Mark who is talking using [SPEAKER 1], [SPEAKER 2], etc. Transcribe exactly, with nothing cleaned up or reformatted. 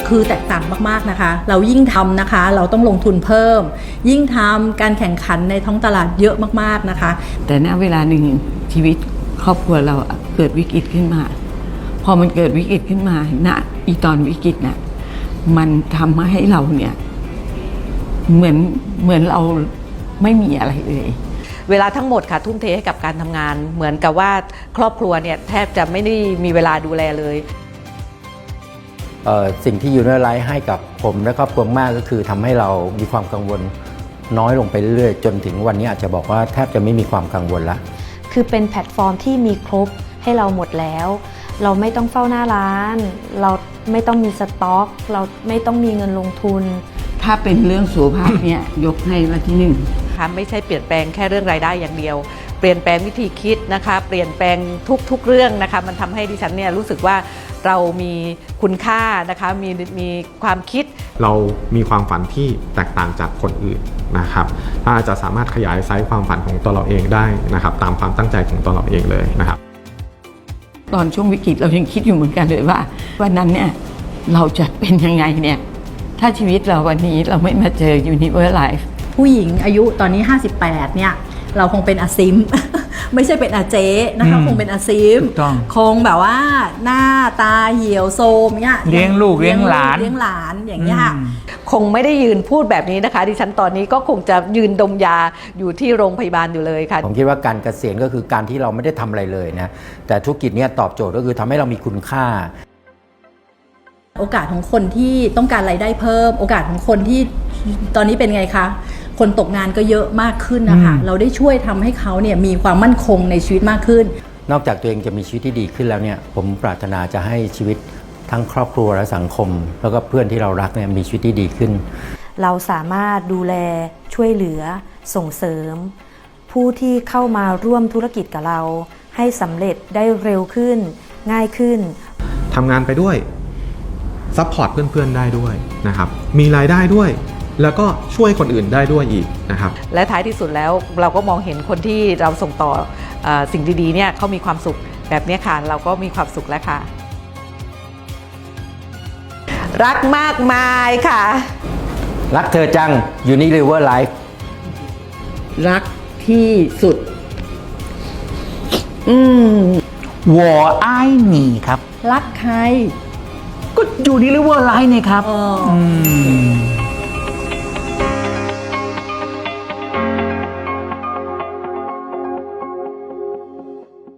[SPEAKER 1] คือแตกต่างมากๆนะคะเรายิ่งทำนะคะเราต้องลงทุนเพิ่มยิ่งทำการแข่งขันในท้องตลาดเยอะมากๆนะคะ
[SPEAKER 2] แต่ณเวลาหนึ่งชีวิตครอบครัวเราเกิดวิกฤตขึ้นมาพอมันเกิดวิกฤตขึ้นมาณอีตอนวิกฤตน่ะมันทำให้เราเนี่ยเหมือนเหมือนเราไม่มีอะไรเลย
[SPEAKER 3] เวลาทั้งหมดค่ะทุ่มเทให้กับการทำงานเหมือนกับว่าครอบครัวเนี่ยแทบจะไม่ได้มีเวลาดูแลเลย
[SPEAKER 4] สิ่งที่ยูเนอร์ไลท์ให้กับผมและครอบครัวมากก็คือทำให้เรามีความกังวลน้อยลงไปเรื่อยๆจนถึงวันนี้อาจจะบอกว่าแทบจะไม่มีความกังวลละ
[SPEAKER 5] คือเป็นแพลตฟอร์มที่มีครบให้เราหมดแล้วเราไม่ต้องเฝ้าหน้าร้านเราไม่ต้องมีสต็อกเราไม่ต้องมีเงินลงทุน
[SPEAKER 2] ถ้าเป็นเรื่องสุขภาพเนี่ยยกให้มาที่หนึ่ง
[SPEAKER 3] ค่ะไม่ใช่เปลี่ยนแปลงแค่เรื่องรายได้อย่างเดียวเปลี่ยนแปลงวิธีคิดนะคะเปลี่ยนแปลงทุกๆเรื่องนะคะมันทำให้ดิฉันเนี่ยรู้สึกว่าเรามีคุณค่านะคะมีมีความคิด
[SPEAKER 6] เรามีความฝันที่แตกต่างจากคนอื่นนะครับถ้าจะสามารถขยายไซส์ความฝันของตัวเราเองได้นะครับตามความตั้งใจของตัวเราเองเลยนะครับ
[SPEAKER 2] ตอนช่วงวิกฤตเรายังคิดอยู่เหมือนกันเลยว่าวันนั้นเนี่ยเราจะเป็นยังไงเนี่ยถ้าชีวิตเราวันนี้เราไม่มาเจอ Universe Life
[SPEAKER 1] ผู้หญิงอายุตอนนี้ห้าสิบแปดเนี่ยเราคงเป็นอาซิม ไม่ใช่เป็นอาเจนะคะคงเป็นอาซิมคงแบบว่าหน้าตาเหี่ยวโซมเนี่ย
[SPEAKER 7] เลี้ยงลูกเลี้ยงหลาน
[SPEAKER 1] เลี้ยงหลานอย่างเงี้ย
[SPEAKER 3] คงไม่ได้ยืนพูดแบบนี้นะคะดิฉันตอนนี้ก็คงจะยืนดมยาอยู่ที่โรงพยาบาลอยู่เลยค่ะ
[SPEAKER 4] ผมคิดว่าการเกษียณก็คือการที่เราไม่ได้ทำอะไรเลยนะแต่ธุรกิจนี้ตอบโจทย์ก็คือทำให้เรามีคุณค่า
[SPEAKER 1] โอกาสของคนที่ต้องการรายได้เพิ่มโอกาสของคนที่ตอนนี้เป็นไงคะคนตกงานก็เยอะมากขึ้นนะคะเราได้ช่วยทำให้เขาเนี่ยมีความมั่นคงในชีวิตมากขึ้น
[SPEAKER 4] นอกจากตัวเองจะมีชีวิตที่ดีขึ้นแล้วเนี่ยผมปรารถนาจะให้ชีวิตทั้งครอบครัวและสังคมแล้วก็เพื่อนที่เรารักเนี่ยมีชีวิตที่ดีขึ้น
[SPEAKER 5] เราสามารถดูแลช่วยเหลือส่งเสริมผู้ที่เข้ามาร่วมธุรกิจกับเราให้สำเร็จได้เร็วขึ้นง่ายขึ้น
[SPEAKER 6] ทำงานไปด้วยซัพพอร์ตเพื่อนๆได้ด้วยนะครับมีรายได้ด้วยแล้วก็ช่วยคนอื่นได้ด้วยอีกนะครับ
[SPEAKER 3] และท้ายที่สุดแล้วเราก็มองเห็นคนที่เราส่งต่อเอ่อสิ่งดีๆเนี่ยเขามีความสุขแบบนี้ค่ะเราก็มีความสุขแล้วค่ะรักมากมายค่ะ
[SPEAKER 4] รักเธอจัง Unilever Life
[SPEAKER 2] รักที่สุด
[SPEAKER 7] อืมวอไอหนีครับ
[SPEAKER 1] รักใคร
[SPEAKER 7] ก็อยู่Unilever Life นี่ครับอืม